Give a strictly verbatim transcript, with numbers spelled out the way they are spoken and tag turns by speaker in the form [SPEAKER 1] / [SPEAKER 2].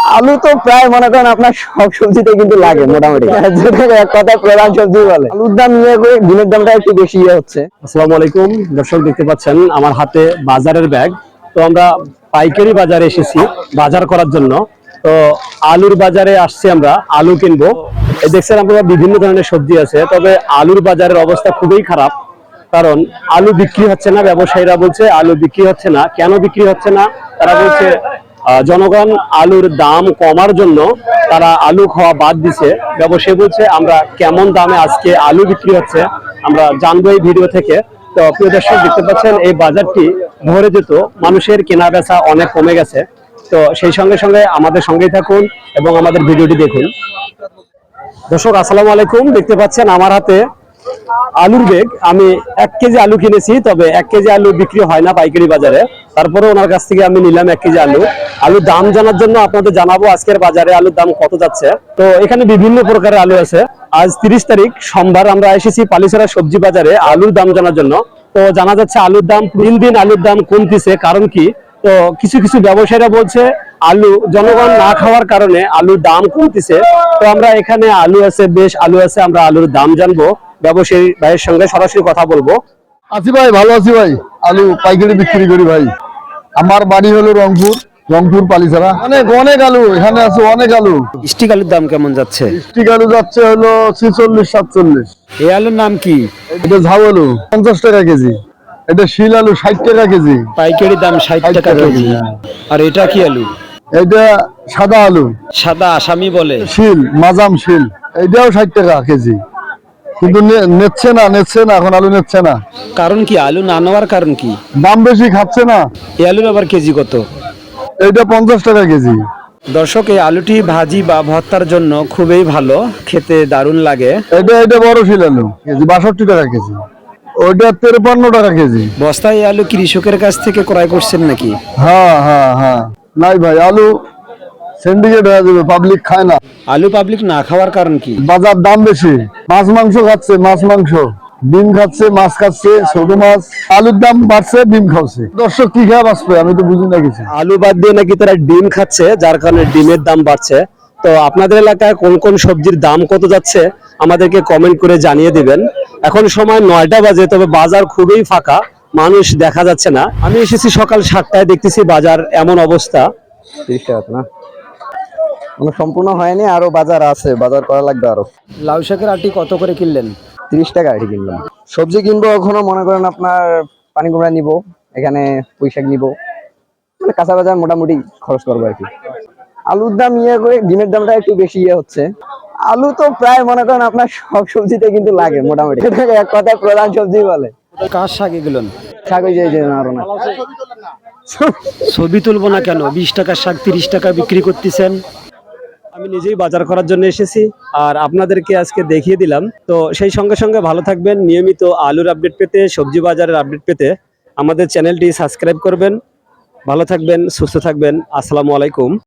[SPEAKER 1] আলু তো প্রায় মনে করেন আপনার সব সবজিতে কিন্তু লাগে মোটামুটি, যেটাকে এক কথায় প্রধান সবজি বলে। আলুর দাম ইয়ে করে ডিমের দামটা একটু বেশি ইয়ে হচ্ছে।
[SPEAKER 2] আসসালামু আলাইকুম দর্শক, দেখতে পাচ্ছেন আমার হাতে বাজারের ব্যাগ। তো আমরা পাইকারি বাজারে এসেছি বাজার করার জন্য। তো আলুর বাজারে আসছি, আমরা আলু কিনবো। এই দেখছেন আপনারা বিভিন্ন ধরনের সবজি আছে, তবে আলুর বাজারের অবস্থা খুবই খারাপ। কারণ আলু বিক্রি হচ্ছে না, ব্যবসায়ীরা বলছে আলু বিক্রি হচ্ছে না। কেন বিক্রি হচ্ছে না? তারা বলছে জনগণ আলুর দাম কমার জন্য তারা আলু খাওয়া বাদ দিছে। ব্যবসায়ী বলছে আমরা কেমন দামে আজকে আলু বিক্রি হচ্ছে আমরা জানবো এই ভিডিও থেকে। তো প্রিয় দর্শক, দেখতে পাচ্ছেন এই বাজারটি ভরে যেত, মানুষের কেনা বেচা অনেক কমে গেছে। তো সেই সঙ্গে সঙ্গে আমাদের সঙ্গেই থাকুন এবং আমাদের ভিডিওটি দেখুন। দর্শক আসসালামু আলাইকুম, দেখতে পাচ্ছেন আমার হাতে আলুর ব্যাগ। আমি এক কেজি আলু কিনেছি, তবে এক কেজি আলু বিক্রি হয় না পাইকারি বাজারে। তারপরে ওনার কাছ থেকে আমি নিলাম এক কেজি আলু। আলুর দাম জানার জন্য আপনাদের জানাবো আজকের বাজারে আলুর দাম কত যাচ্ছে। তো এখানে বিভিন্ন প্রকারের আলু আছে। আজ তিরিশ তারিখ সোমবার, আমরা এসেছি পালিছড়া সবজি বাজারে আলুর দাম জানার জন্য। তো জানা যাচ্ছে আলুর দাম দিন দিন আলুর দাম কমতেছে, কারণ কি? তো কিছু কিছু ব্যবসায়ীরা বলছে আলু জনগণ না খাওয়ার কারণে আলুর দাম কমতেছে। তো আমরা এখানে আলু আছে, বেশ আলু আছে, আমরা আলুর দাম জানবো, ব্যবসায়ী ভাইয়ের সঙ্গে সরাসরি কথা বলবো।
[SPEAKER 3] আছি ভাই, ভালো আছি ভাই। আলু পাইকারি বিক্রি করি ভাই। আমার বাড়ি হলো রংপুর, রংপুর পালিছড়া। অনেক অনেক আলু এখানে আছে, অনেক আলু।
[SPEAKER 2] স্টিক আলুর দাম কেমন যাচ্ছে?
[SPEAKER 3] স্টিক আলু যাচ্ছে হলো ছিচল্লিশ সাতচল্লিশ।
[SPEAKER 2] এই আলুর নাম কি?
[SPEAKER 3] এটা ঝাউ আলু পঞ্চাশ টাকা কেজি। এটা শিল আলু ষাট টাকা কেজি।
[SPEAKER 2] পাইকারি দাম ষাট টাকা কেজি। আর এটা কি আলু?
[SPEAKER 3] এটা সাদা আলু,
[SPEAKER 2] সাদা আসামি বলে,
[SPEAKER 3] শিল মাজাম শিল। এটাও ষাট টাকা কেজি, কিন্তু নেচ্ছে না নেচ্ছে না এখন আলু নেচ্ছে না।
[SPEAKER 2] কারণ কি? আলু না নেওয়ার কারণ কি?
[SPEAKER 3] দাম বেশি, খাচ্ছে না।
[SPEAKER 2] এই আলুর আবার কেজি কত?
[SPEAKER 3] এটা পঞ্চাশ টাকা কেজি।
[SPEAKER 2] দর্শক, এই আলুটি ভাজি বা ভর্তার জন্য খুবই ভালো, খেতে দারুণ লাগে।
[SPEAKER 3] এটা এটা বড় শিল আলু কেজি বাষট্টি টাকা কেজি। ওইটা তেরপান্ন টাকা কেজি।
[SPEAKER 2] বস্তায় এই আলু কৃষকের কাছ থেকে ক্রয় করছেন নাকি?
[SPEAKER 3] হ্যাঁ হ্যাঁ হ্যাঁ। নাই ভাই, আলু সিন্ডিকেট হয়ে যাবে, পাবলিক খায় না।
[SPEAKER 2] আলু পাবলিক না খাওয়ার কারণ কি?
[SPEAKER 3] বাজার দাম বেশি। মাছ মাংস খাচ্ছে, মাছ মাংস, ডিম খাচ্ছে, মাছ খাচ্ছে, ছোট মাছ। আলুর দাম বাড়ছে, ডিম খাচ্ছে। দর্শক কি খায় বাঁচবে, আমি তো বুঝি না কিছু।
[SPEAKER 2] আলু বাদ দিয়ে নাকি তারা ডিম খাচ্ছে, যার কারণে ডিমের দাম বাড়ছে। তো আপনাদের এলাকায় কোন কোন সবজির দাম কত যাচ্ছে আমাদেরকে কমেন্ট করে জানিয়ে দিবেন। এখন সময় নয়টা বাজে, তবে বাজার খুবই ফাঁকা, মানুষ দেখা যাচ্ছে না। আমি এসেছি সকাল সাতটায়, দেখতেছি বাজার এমন অবস্থা।
[SPEAKER 1] তিরিশ টাকা না, মানে সম্পূর্ণ হয়নি, আরো বাজার আছে, বাজার করা লাগবে আরো।
[SPEAKER 2] লাউ শাকের আটি কত করে কিনলেন?
[SPEAKER 1] তিরিশ টাকা আটি কিনলাম। সবজি কিনবো এখনো, মনে করেন আপনার পানি কুমড়া নিবো, এখানে পুঁই শাক নিবো, মানে কাঁচা বাজার মোটামুটি খরচ করবো আর কি। আলুর দাম ইয়ে করে ডিমের দামটা একটু বেশি ইয়ে হচ্ছে। আলু তো প্রায় মনে করেন আপনার সব সবজিতে কিন্তু লাগে মোটামুটি, এটাকে এক কথায় প্রধান সবজি বলে।
[SPEAKER 2] কার শাক এগুলো?
[SPEAKER 1] শাক ওই যে আরো না,
[SPEAKER 2] ছবি তুলবো না কেন? বিশ টাকার শাক তিরিশ টাকা বিক্রি করতেছেন। আমি নিজেই বাজার করার জন্য এসেছি আর আপনাদেরকে আজকে দেখিয়ে দিলাম। তো সেই সঙ্গে সঙ্গে ভালো থাকবেন, নিয়মিত আলুর আপডেট পেতে, সবজি বাজারের আপডেট পেতে আমাদের চ্যানেলটি সাবস্ক্রাইব করবেন। ভালো থাকবেন, সুস্থ থাকবেন। আসসালামু আলাইকুম।